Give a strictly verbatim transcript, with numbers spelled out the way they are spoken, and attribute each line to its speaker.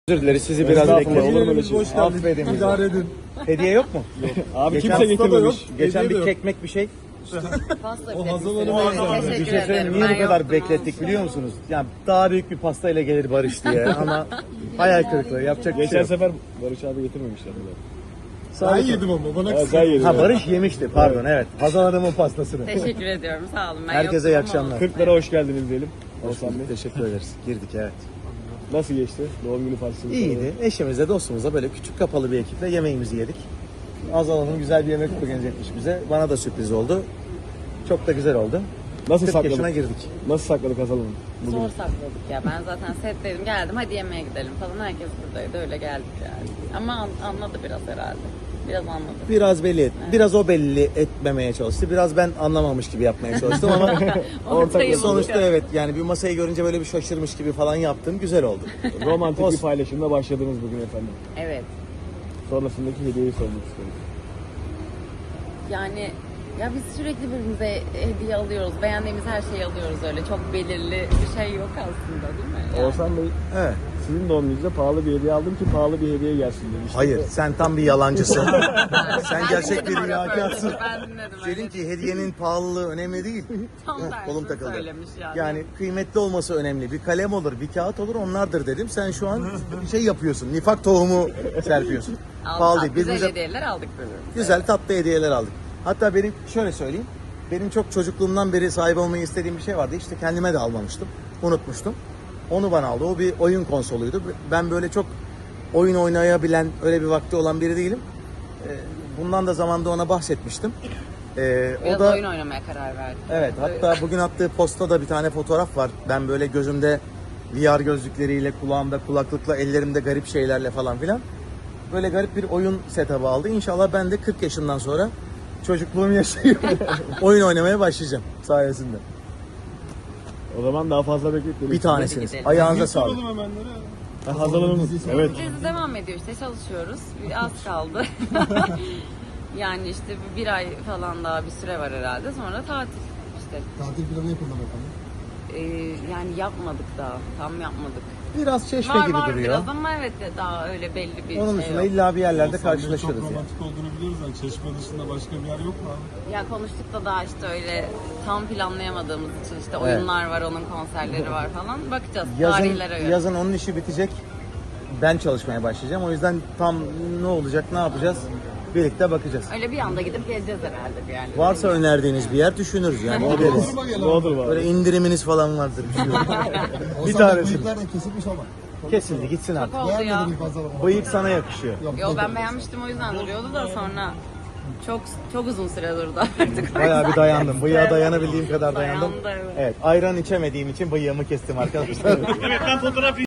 Speaker 1: Özür dileriz, sizi biraz
Speaker 2: Estağfurullah,
Speaker 1: bekleyelim.
Speaker 2: olur mu öyle şey?
Speaker 1: Hoş geldiniz. Affedin bizi.
Speaker 3: İdare edin.
Speaker 1: Hediye yok mu?
Speaker 2: Abi
Speaker 1: Geçen
Speaker 2: kimse
Speaker 1: hafta da
Speaker 2: getirmemiş.
Speaker 1: yok. Geçen
Speaker 3: Hediye de
Speaker 1: bir
Speaker 3: yok.
Speaker 1: kekmek bir şey.
Speaker 4: Pasta
Speaker 3: O
Speaker 4: bile
Speaker 3: Hazal
Speaker 4: istedim.
Speaker 3: Hanım'a
Speaker 4: Evet,
Speaker 3: özel.
Speaker 4: teşekkür
Speaker 1: Bir şey söyleyeyim,
Speaker 4: ederim.
Speaker 1: niye bu
Speaker 4: Ben
Speaker 1: kadar
Speaker 4: yoktum
Speaker 1: beklettik
Speaker 4: aslında.
Speaker 1: biliyor musunuz? Yani daha büyük bir pastayla gelir Barış diye ama hayal kırıklığı yapacak bir şey
Speaker 2: Geçen
Speaker 1: yok.
Speaker 2: sefer Barış abi getirmemişler.
Speaker 3: Ben yedim ama bana
Speaker 2: Ha,
Speaker 3: kısmet.
Speaker 2: sen yedin.
Speaker 1: Ha Barış yemişti pardon evet. Hazal Hanım'ın pastasını.
Speaker 4: Teşekkür ediyorum sağ olun. Ben
Speaker 1: Herkese
Speaker 4: yoktum
Speaker 1: iyi
Speaker 4: ama
Speaker 1: akşamlar.
Speaker 4: olsun.
Speaker 2: kırklara hoş geldiniz diyelim.
Speaker 1: Hoş
Speaker 2: Oğuzhan Bey.
Speaker 1: bulduk, teşekkür ederiz. Girdik evet.
Speaker 2: Nasıl geçti? Doğum günü partisi.
Speaker 1: İyiydi. Eşimizle dostumuzla böyle küçük kapalı bir ekiple yemeğimizi yedik. Hazal Hanım güzel bir yemek organize bize. Bana da sürpriz oldu. Çok da güzel oldu.
Speaker 2: Nasıl
Speaker 1: kırk yaşına
Speaker 2: sakladık?
Speaker 1: girdik.
Speaker 2: Nasıl sakladık Hazal Hanım? Bugün.
Speaker 4: Zor sakladık ya. Ben zaten setteydim. Geldim hadi yemeğe gidelim falan. Herkes buradaydı. Öyle geldik yani. Ama an- anladı biraz herhalde. Biraz anladı.
Speaker 1: Biraz belli et. Biraz o belli etmemeye çalıştı. Biraz ben anlamamış gibi yapmaya çalıştım ama
Speaker 4: Ortayı bulduk.
Speaker 1: sonuçta evet yani bir masayı görünce böyle bir şaşırmış gibi falan yaptım. Güzel oldu.
Speaker 2: Romantik bir
Speaker 1: Olsun.
Speaker 2: paylaşımla başladınız bugün efendim.
Speaker 4: Evet.
Speaker 2: Sonrasındaki hediyeyi sormak istiyorum.
Speaker 4: Yani ya biz sürekli birbirimize hediye alıyoruz. Beğendiğimiz her şeyi alıyoruz öyle. Çok belirli bir şey yok aslında değil mi? Yani.
Speaker 2: Oğuzhan Bey,
Speaker 1: Evet.
Speaker 2: sizin doğum gününüzde pahalı bir hediye aldım ki pahalı bir hediye gelsin demiştim.
Speaker 1: Hayır, sen tam bir yalancısın. sen
Speaker 4: Ben
Speaker 1: gerçek
Speaker 4: dinledim
Speaker 1: bir
Speaker 4: o
Speaker 1: riyakarsın.
Speaker 4: röportajı, Ben dinledim
Speaker 1: Dedim
Speaker 4: öyle.
Speaker 1: ki hediyenin pahalılığı önemli değil.
Speaker 4: Tam
Speaker 1: Heh,
Speaker 4: tersini
Speaker 1: kolum takıldı.
Speaker 4: söylemiş yani.
Speaker 1: Yani kıymetli olması önemli. Bir kalem olur, bir kağıt olur onlardır dedim. Sen şu an bir şey yapıyorsun. Nifak tohumu serpiyorsun.
Speaker 4: Aldık,
Speaker 1: Pahalı değil.
Speaker 4: güzel
Speaker 1: Birbirimize
Speaker 4: hediyeler aldık birbirimize.
Speaker 1: güzel tatlı hediyeler aldık. Hatta benim şöyle söyleyeyim. Benim çok çocukluğumdan beri sahip olmayı istediğim bir şey vardı. İşte kendime de almamıştım. Unutmuştum. Onu bana aldı. O bir oyun konsoluydu. Ben böyle çok oyun oynayabilen, öyle bir vakti olan biri değilim. Ee, Bundan da zamanda ona bahsetmiştim. Ee,
Speaker 4: Biraz
Speaker 1: o da
Speaker 4: oyun oynamaya karar verdik.
Speaker 1: evet, hatta bugün attığı posta da bir tane fotoğraf var. Ben böyle gözümde V R gözlükleriyle, kulağımda kulaklıkla, ellerimde garip şeylerle falan filan. Böyle garip bir oyun setup'ı aldı. İnşallah ben de kırk yaşından sonra çocukluğumu yaşayıp oyun oynamaya başlayacağım sayesinde.
Speaker 2: O zaman daha fazla bekletmeyin.
Speaker 1: Bir tanesiniz.
Speaker 4: gidelim.
Speaker 1: Ayağınıza sağlık.
Speaker 3: Soralım hemenlere.
Speaker 2: Ha, Hazal Hanım. Evet.
Speaker 4: Dizi devam ediyor işte çalışıyoruz. Bir az kaldı. Yani işte bir, bir ay falan daha bir süre var herhalde. Sonra tatil işte.
Speaker 3: Tatil planı yapıldı efendim.
Speaker 4: Ee, yani yapmadık daha. Tam yapmadık.
Speaker 1: Biraz çeşme
Speaker 4: Var
Speaker 1: gibi
Speaker 4: var
Speaker 1: duruyor.
Speaker 4: biraz ama evet de daha öyle belli bir
Speaker 1: Onun
Speaker 4: şey
Speaker 1: dışında
Speaker 4: yok.
Speaker 1: illa bir yerlerde
Speaker 3: Oğuzhan Bey
Speaker 1: karşılaşırız
Speaker 3: Çok
Speaker 1: yani.
Speaker 3: romantik olduğunu biliyoruz yani. Çeşme dışında başka bir yer yok mu abi?
Speaker 4: Ya konuştuk da daha işte öyle tam planlayamadığımız için işte oyunlar var, onun konserleri var falan. Bakacağız
Speaker 1: Yazın,
Speaker 4: tarihlere göre.
Speaker 1: yazın onun işi bitecek. Ben çalışmaya başlayacağım. O yüzden tam ne olacak, ne yapacağız birlikte bakacağız.
Speaker 4: Öyle bir anda gidip geleceğiz herhalde yani.
Speaker 1: Varsa önerdiğiniz bir yer düşünürüz yani gideriz.
Speaker 3: Durma gel
Speaker 2: Ne
Speaker 3: abi.
Speaker 2: olur var.
Speaker 1: Böyle indiriminiz falan vardır bir şey yok.
Speaker 3: Oğuzhan
Speaker 1: bir
Speaker 3: Bey,
Speaker 1: tanesi.
Speaker 3: bıyıklar da kesilmiş ama.
Speaker 1: Kesildi gitsin artık.
Speaker 4: Oldu ya.
Speaker 3: Beğenmedim fazla ama.
Speaker 1: Bıyık sana yakışıyor.
Speaker 4: Yo ben beğenmiştim o yüzden duruyordu da sonra çok çok uzun süre durdu artık.
Speaker 1: Bayağı bir dayandım. Bıyığa dayanabildiğim kadar dayandım.
Speaker 4: Dayandı, evet.
Speaker 1: Evet, ayran içemediğim için bıyığımı kestim arkadaşlar.